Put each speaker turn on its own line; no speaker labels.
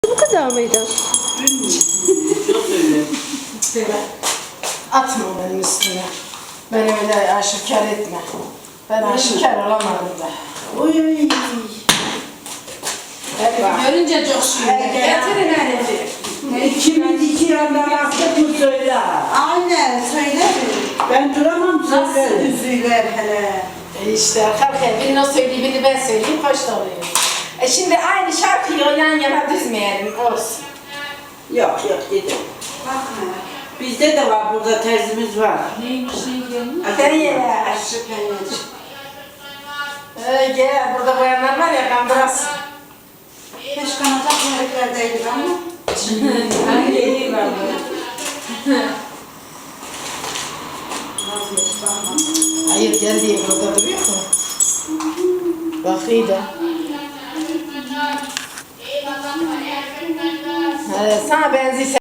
Bu kadar mıydı?
Atma benim üstüne. Beni öyle aşikar etme. Ben aşikar olamadım da.
Oy.
Görünce coşuyor. Getirin herifi.
Kimin iki yandan attık mı söyle.
Aynen söyle.
Ben duramam
Nasıl
söyle.
üzüler hele.
İşte kalkın birini o söyleyeyim birini ben söyleyeyim hoş da oluyor. Şimdi aynı şarkıyı yan yana düzmeyelim olsun.
Yok dedim.
Bakma.
Bizde de var burada terzimiz var.
Neymiş diyorsun?
Nereye?
Aşık peynir.
Gel burada bayanlar var ya kandıras.
Keşke kanacak yörüklerdeydik ama.
Ben geliyorum ben.
Hayır gel diye burada duruyor mu? Bak iyi de. Sana benziyor.